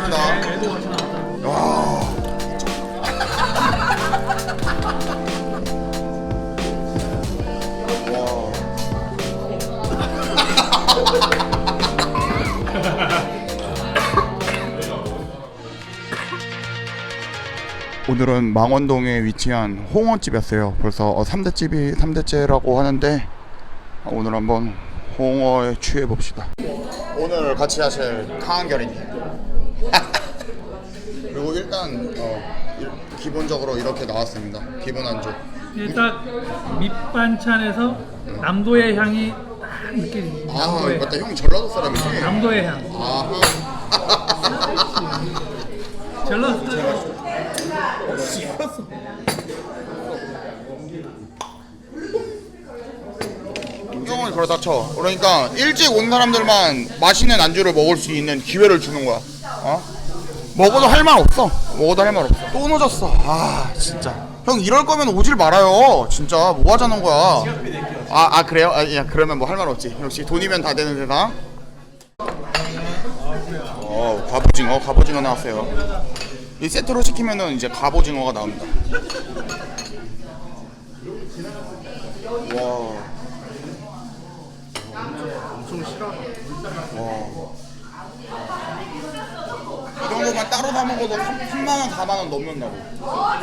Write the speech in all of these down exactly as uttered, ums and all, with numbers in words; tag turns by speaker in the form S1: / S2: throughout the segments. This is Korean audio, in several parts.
S1: 괜찮습니다.
S2: 애도 같이 나왔다.
S1: 와. 오늘은 망원동에 위치한 홍어집이었어요. 벌써 삼 대집이 삼 대째라고 하는데 오늘 한번 홍어에 취해 봅시다. 오늘 같이 하실 강한결이님. 그리고 일단 어, 일, 기본적으로 이렇게 나왔습니다. 기본 안주.
S2: 일단 밑반찬에서 남도의 향이 딱 느껴집니다.
S1: 아
S2: 남도의
S1: 맞다. 형 전라도 사람이지?
S2: 남도의 향.
S1: 아하.
S2: 전라도
S1: 형은 그러다 쳐. 그러니까 일찍 온 사람들만 맛있는 안주를 먹을 수 있는 기회를 주는 거야. 어? 먹어도 할 말 없어. 먹어도 할 말 없어. 또 늦었어. 아 진짜. 형 이럴 거면 오질 말아요. 진짜 뭐 하자는 거야. 아, 아 그래요? 아, 야 그러면 뭐 할 말 없지. 역시 돈이면 다 되는 세상. 어 갑오징어 갑오징어 나왔어요. 이 세트로 시키면은 이제 갑오징어가 나옵니다. 와.
S3: 엄청 싫어하다.
S1: 와. 이 정도만 따로 사 먹어도 삼만 원, 사만 원 넘는다고. 와,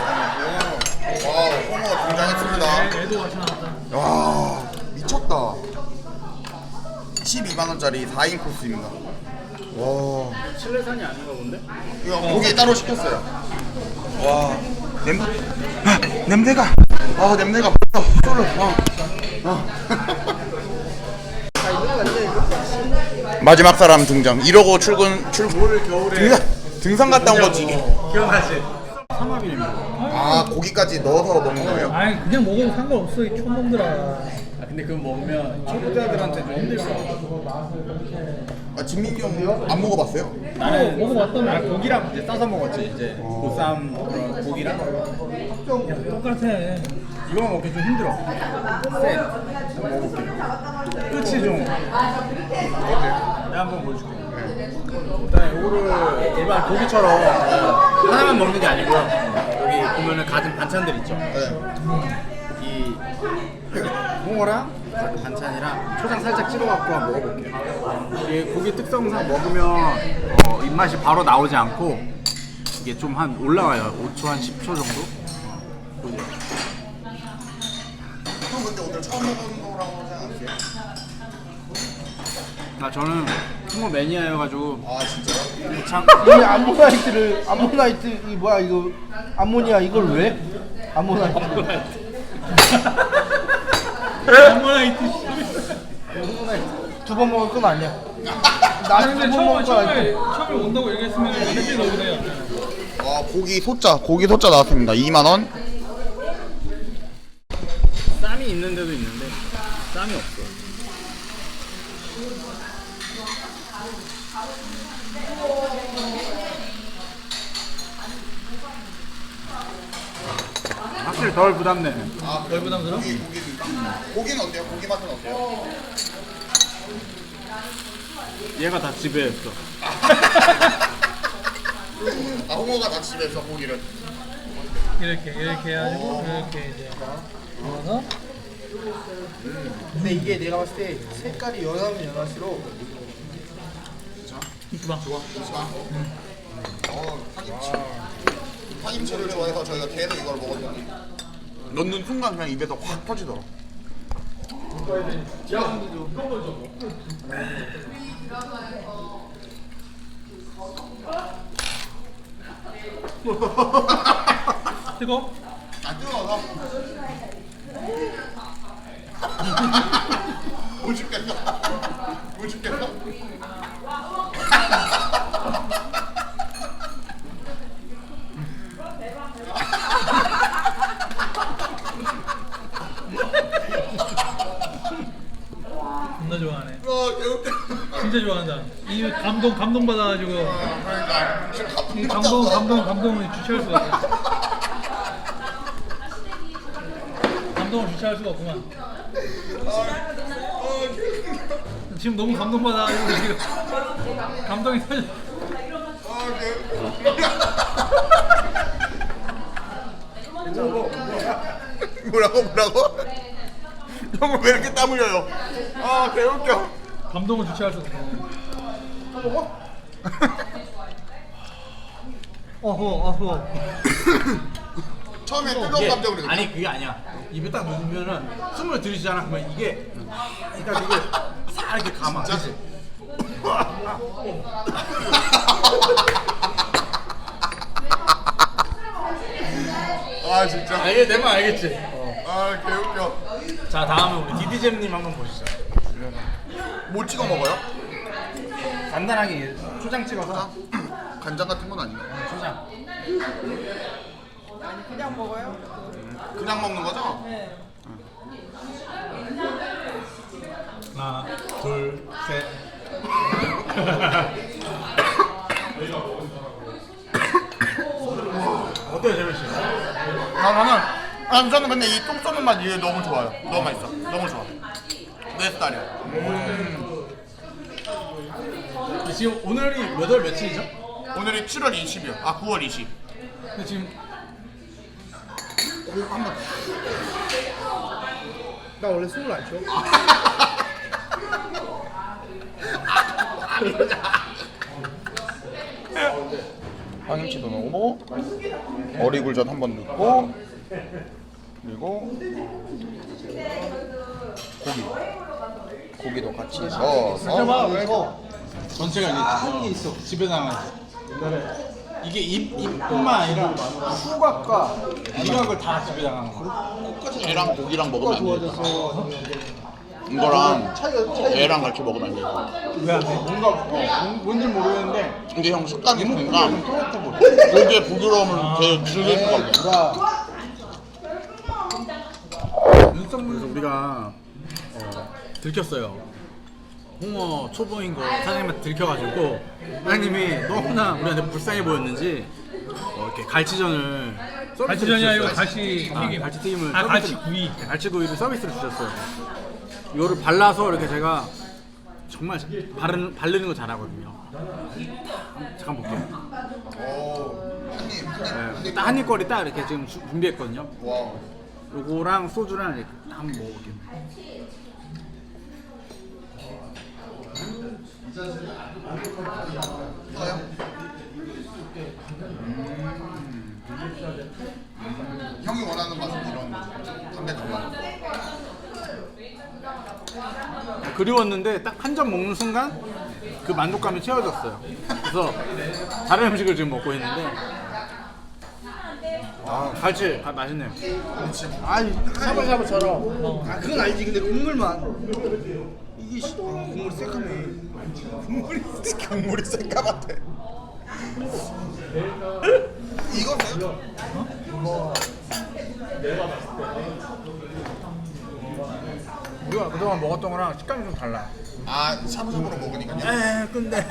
S1: 홍어 등장했습니다.
S2: 애도 같이 나왔다.
S1: 와, 미쳤다. 십이만 원짜리 사 인 코스입니다. 와.
S3: 칠레산이 아닌가 본데?
S1: 이거 고기 따로 시켰어요. 와. 냄, 아, 냄새가. 아, 냄새가 벌써 쏠려. 어. 어. 마지막 사람 등장. 이러고 출근 출근.
S3: 올 겨울에
S1: 등산 등산 갔다 온 거지.
S3: 기억나지? 삼합이네.
S1: 아 고기까지 넣어서 먹는 거예요?
S2: 아니 그냥 먹어도 상관없어 이 촌놈들아.
S3: 아 근데 그거 먹으면 초보자들한테 좀 힘들 거야.
S1: 아 진민이 형 안 먹어봤어요?
S3: 나는
S2: 먹어봤다며.
S3: 나는 고기랑 이제 싸서 먹었지. 이제 보쌈 그런 고기랑
S2: 똑같아.
S3: 이거만 먹기 좀 힘들어. 쎄. 한번 먹어볼게. 끝이 좀. 내가 한번 보여줄게. 일단 이거를 일반 고기처럼 하나만 먹는 게 아니고요. 여기 보면은 가진 반찬들 있죠.
S1: 네.
S3: 이 홍어랑 그 반찬이랑 초장 살짝 찍어갖고 한번 먹어볼게요. 이게 고기 특성상 먹으면 어, 입맛이 바로 나오지 않고 이게 좀 한 올라와요. 오 초 한 십 초 정도. 보죠.
S1: 형 근데 오늘 처음 먹은 거라고 생각하세요?
S3: 아 저는 홍어 매니아여가지고
S1: 아 진짜요?
S3: 참
S4: 이 암모나이트를 암모나이트 이 뭐야 이거 암모니아 이걸 왜? 암모나이트
S2: 아모나이트.
S4: 두 번 먹을 건 아니야.
S2: 아니
S4: 나는
S2: 근데
S4: 두번
S2: 처음에
S4: 먹을 건
S2: 처음에
S4: 아니야.
S2: 처음에 온다고 얘기했으면 일찍 나오네요.
S1: 아 고기 소자 고기 소자 나왔습니다. 이만 원.
S3: 쌈이 있는 데도 있는데 쌈이 없어. 확실히 덜 부담되네.
S1: 아
S2: 덜 부담스러워?
S1: 고기 고기입니다. 고기는 어때요? 고기 맛은 어때요?
S3: 얘가 다 지배했어.
S1: 아 홍어가 다 집에서 고기를.
S2: 이렇게 이렇게 해가지고 이렇게 이제 넣어서
S4: 근데 이게 내가 봤을 때 색깔이 연하면 연할수록
S2: 이쁘다.
S1: 좋아. 어 파김치. 파김치를 좋아해서 저희가 계속 이걸 먹었더니 넣는 순간 그냥 입에서 확 터지더라.
S2: 뜨거?
S1: 안 뜨거워서. 못 죽겠다. 못 죽겠다.
S2: 존나 좋아하네.
S1: 어, 개웃겨.
S2: 진짜 좋아한다. 이 감동 감동 받아가지고
S1: 그러니까
S2: 이 감동 감동 감동을 주체할 수가 없어. 감동을 주체할 수가 없구만. 지금 너무 감동 받아가지고 지금 감동이 터져.
S1: 뭐라고 뭐라고? 형은 왜 이렇게 땀 흘려요? 아 개웃겨.
S2: 감동을 주체할 수 없어. 어허 어허.
S1: 처음에 뜨거운 감정을 느껴.
S3: 아니 그게 아니야. 입에 딱 넣으면은 숨을 들이시잖아. 그러면 이게 그러니까 이게 싹 이렇게 감아.
S1: 진짜? 아 진짜.
S3: 아, 이게 내 말 알겠지?
S1: 아 개웃겨.
S3: 자 다음에 우리 디디잼님 한번 보시죠.
S1: 뭐 찍어 먹어요?
S3: 간단하게 초장 찍어서
S1: 간장 같은 건 아닌가?
S3: 초장.
S5: 그냥 먹어요?
S1: 그냥 먹는 거죠?
S3: 하나, 둘, 셋. 어때요, 재민 씨?
S1: 아 나는 아 저는 근데 이 똥 쏘는 맛 이게 너무 좋아요. 너무 맛있어. 너무 좋아. 내 스타일이야.
S3: 지금 오늘이 몇 월 며칠이죠?
S1: 오늘이 칠월 이십이요. 아 구월 이십.
S3: 근데 지금
S1: 한번
S4: 나 원래 술을 안 줘.
S1: 황김치도 넣고 어리굴젓 한 번 넣고 그리고 고기 고기도 같이 넣어서
S4: 이거
S3: 전체가 이제 하는 게 있어. 집에 나가는 이게 입, 입뿐만 아니라 후각과 미각을 다 집에 나가는 거.
S1: 애랑 고기랑 먹으면 안 돼.
S4: 좋아져서
S1: 이거랑
S4: 차이가 차이.
S1: 애랑 같이 먹으면 안 돼.
S3: 왜 안 돼? 뭔가 어, 뭔- 뭔지 모르겠는데
S1: 근데 형 식감이
S3: 이목구비가
S1: 그러니까
S3: 좀 또렷해 보여.
S1: 고기의 부드러움을 되게 즐길 수가 없어.
S4: 나
S3: 그래서 우리가 어, 들켰어요. 홍어 초보인 거 사장님한테 들켜가지고 사장님이 너무나 우리한테 불쌍해 보였는지 어, 이렇게 갈치전을 서비스로
S2: 갈치전이 아니고
S3: 주셨어요.
S2: 갈치
S3: 아,
S2: 튀김.
S3: 갈치 튀김을
S2: 아, 갈치
S3: 서비스로-
S2: 구이.
S3: 네, 갈치 구이를 서비스로 주셨어요. 이거를 발라서 이렇게 제가 정말 바르는, 바르는 거 잘하거든요. 잠깐 볼게요. 네, 딱 한입 거리 딱 이렇게 지금 주- 준비했거든요.
S1: 와.
S3: 요거랑 소주랑 이렇게 한번 먹어볼게요.
S1: 형이 원하는 맛은 이런 담백한 맛.
S3: 그리웠는데 딱 한 점 먹는 순간 그 만족감이 채워졌어요. 그래서 다른 음식을 지금 먹고 있는데 아 갈치 아, 맛있네요.
S4: 아니 샤브샤브처럼. 아 그건 알지. 근데 국물만 이게 씨, 아, 국물이 새까매.
S1: 국물이 국물이 새까맣대. 이거는
S3: 우리가 그동안 먹었던 거랑 식감이 좀 달라.
S1: 아 샤브샤브로 먹으니까요.
S3: 에 근데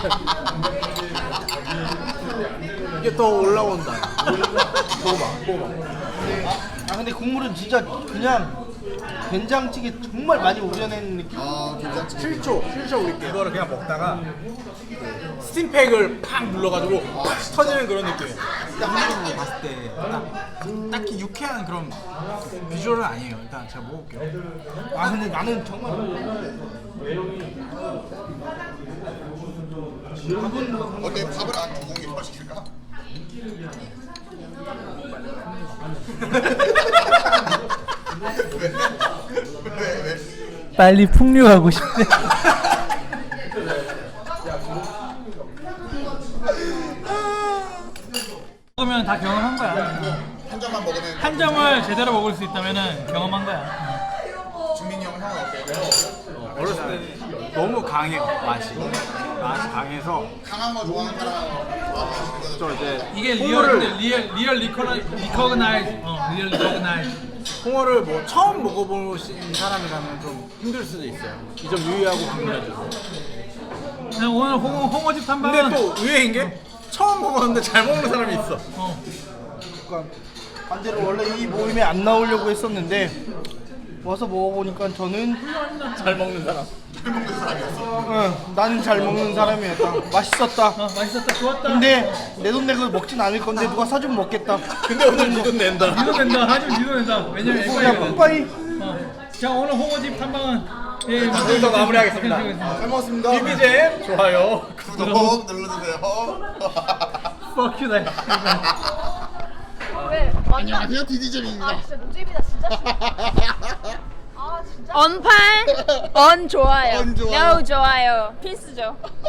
S3: 이게 더 올라온다. 먹어봐, 먹어봐.
S4: 아 근데 국물은 진짜 그냥 된장찌개 정말 많이 우려낸 느낌.
S1: 아 괜찮지.
S3: 칠 초, 칠 초 우리 이거를 그냥 먹다가 스팀팩을 팍 눌러가지고 팍 터지는 그런 느낌이에요. 일단 한국으로 봤을 때 딱, 딱히 유쾌한 그런 비주얼은 아니에요. 일단 제가 먹어볼게요.
S4: 아 근데 나는 정말
S1: 어때 밥을 안 두 공기 더 시킬까? 왜? 왜?
S2: 빨리 풍류하고 싶대. 먹으면 다 경험한 거야.
S1: 한 잔만 먹으면
S2: 한 점을 제대로 먹을 수 있다면은 경험한 거야.
S1: 준민이 형은 형은 어때요?
S3: 어렸을 때 너무 강해요 맛이. 맛이 강해서
S1: 강한 거 좋아하는 사람 아,
S3: 저 이제
S2: 이게 리얼
S3: 홍어를
S2: 근데 리얼 리얼 리커나 리커그나이즈 어 리얼 리커그나이즈.
S3: 홍어를 뭐 처음 먹어보신 사람이라면 좀 힘들 수도 있어요. 이 점 유의하고 방문해주세요.
S2: 그냥 오늘 홍어 홍어집 탐방.
S3: 근데 또 의외인 게 처음 먹었는데 잘 먹는 사람이 있어.
S2: 어.
S4: 약간 반대로 원래 이 모임에 안 나오려고 했었는데 와서 먹어보니까 저는
S3: 잘 먹는 사람.
S4: 응, 난 잘 먹는 사람이었다. 맛있었다.
S2: 어, 맛있었다. 좋았다.
S4: 근데 내 돈 내고 먹진 않을 건데 누가 사주면 먹겠다.
S3: 근데 오늘 니돈 낸다.
S2: 니도 된다. 아주 니도 된다. 왜냐면
S4: 야,
S2: 에바이거든.
S4: 뽀빠이.
S2: 어. 자, 오늘 홍어집 탐방은 예,
S3: 여기서 마무리하겠습니다.
S1: 잘 먹었습니다.
S3: 비비잼 좋아요.
S1: 구독 눌러주세요.
S2: Fuck you, 나.
S5: 왜? 완전
S1: 안녕하세요 디디잼입니다.
S5: 아 진짜 노잼이다 진짜. 아 진짜. 언팔, 언 좋아요.
S1: 언 좋아요.
S5: no 좋아요. 필수죠.